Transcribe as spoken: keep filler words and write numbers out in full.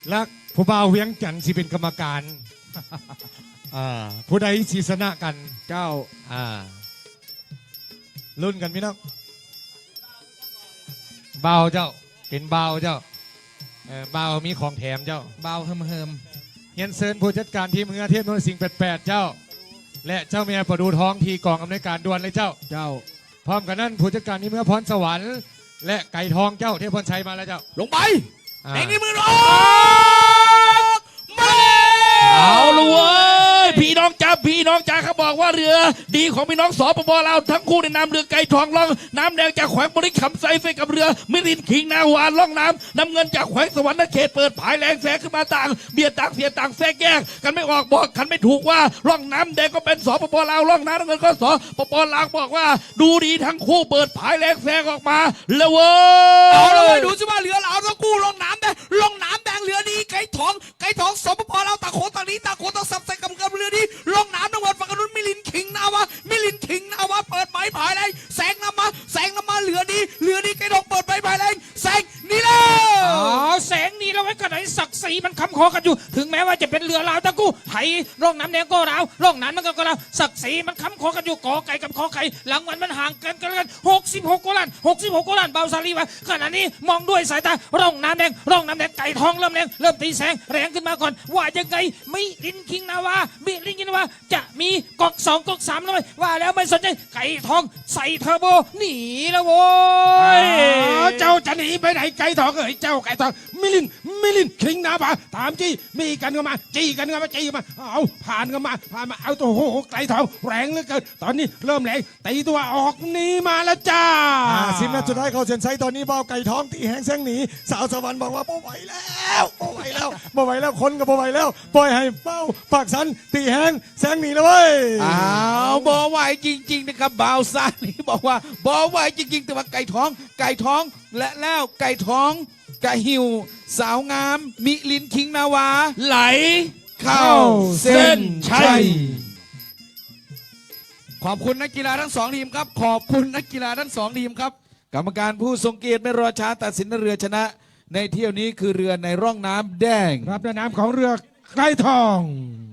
และผู้บ่าวเวียงจันทร์สิเป็นกรรมการอ่าผู้ใดสีสนะกันเจ้าอ่ารุ่นกันพี่น้องบ่าวเจ้าเป็นบ่าวเจ้าเออบ่าวมีของแถมเจ้าบ่าวเฮิมเฮิมเฮียนเซินผู้จัดการทีมเมืองเทพนนท์สิงห์แปดแปดเจ้าและเจ้าเมียประดูท้องทีกองอำนวยการด่วนเลยเจ้าเจ้าพร้อมกันนั้นผู้จัดการทีมเมืองพรสวรรค์และไก่ทองเจ้าเทพพรชัยมาแล้วเจ้าลงไปเด็กนี่มือออกมาเอาละเว้ยพี่น้องจ้าพี่น้องจ้าเขาบอกว่าเรือดีของพี่น้องสปปลาวทั้งคู่ในนามเรือไก่ทองล่องน้ำแดงจากแขวงบริขำไซเฟกับเรือมิรินขิงนาวานล่องน้ำน้ำเงินจากแขวงสวรรค์เขตเปิดผายแรงแสงขึ้นมาต่างเบียดต่างเสียต่างแทรกแยกกันไม่ออกบอกกันไม่ถูกว่าล่องน้ำแดงก็เป็นสปปลาวล่องน้ำเงินก็สปปลาวบอกว่าดูดีทั้งคู่เปิดผายแรงแสงออกมาแล้วเว้ยเอาละเว้ยดูสิว่าเรือเราทั้งคู่ล่องน้ำแดงล่องน้ำแดงเรือดีไก่ทองไก่ทองสปปลาวต่างโขต่างนี้ต่างโขต่างสับใส่กำกับเรือดีล่องน้ำน้ำเงินฝั่งนู้นมิลินขิงนาวามิลินขิงนาวาเปิดไม้ผายแรงแสงน้ำมาแสงน้ำมาเรือดีเรือดีไก่ทองเปิดไม้ผายแรงแสงนี่แล้วอ๋อแสงนี้เราไว้กันไหนศักดิ์ศรีมันคำคอกันอยู่ถึงแม้ว่าจะเป็นเรือลาวทั้งคู่ไห่ร่องน้ำแดงก็ลาวร่องน้ำมันก็ลาวศักดิ์ศรีมันคำคอกันอยู่กอไก่กับขอไข่หลังวันมันห่างกันกันกันหกสิบหกกว่าล้านหกสิบหกกว่าล้านเบาซาลีวะขณะนี้มองด้วยสายตาร่องน้ำแดงร่องน้ำแดงไก่ทองเริ่มแรงเริ่มตีแสงแรงขึ้นมาก่อนว่ายังไงมิลินคิงนาวามิลินคิงนาวาจะมีก๊อกสองก๊อกสามเลยว่าแล้วไม่สนใจไก่ทองใส่เทอร์โบหนีแล้วโว้ยเจ้าจะหนีไปไหนไก่ทองเอ้ยเจ้าไก่ทองมิลินมิลินคิงนาบาถามจี้มีกันกันมาจี้กันกันมาจี้มาเอาผ่านกันมาผ่านมาเอาตัวโหไก่ทองแรงเหลือเกินตอนนี้เริ่มแรงตีตัวออกหนีมาแล้วจ้าสิบนาทีสุดท้ายเขาเซ็นไซตอนนี้เบาไก่ทองตีแห้งแซงหนีสาวสวรรค์บอกว่าบ่ไหวแล้วบ่ไหวแล้วบ่ไหวแล้วคนก็บ่ไหวแล้วปล่อยให้เป้าปากสันตีแห้งแซงหนีแล้วเว้ยอ้าวบ่ไหวจริงๆนะครับบ่าวซานี่บอกว่าบ่ไหวจริงๆแต่ว่าไก่ท้องไก่ท้องและแล้วไก่ท้องกะหิวสาวงามมิลินคิงนาวาไหลเข้าเส้นชัยขอบคุณนักกีฬาทั้งสองทีมครับขอบคุณนักกีฬาทั้งสองทีมครับกรรมการผู้ทรงเกียรติไม่รอช้าตัดสินเรือชนะในเที่ยวนี้คือเรือในร่องน้ำแดงรับในน้ำของเรือไก่ทอง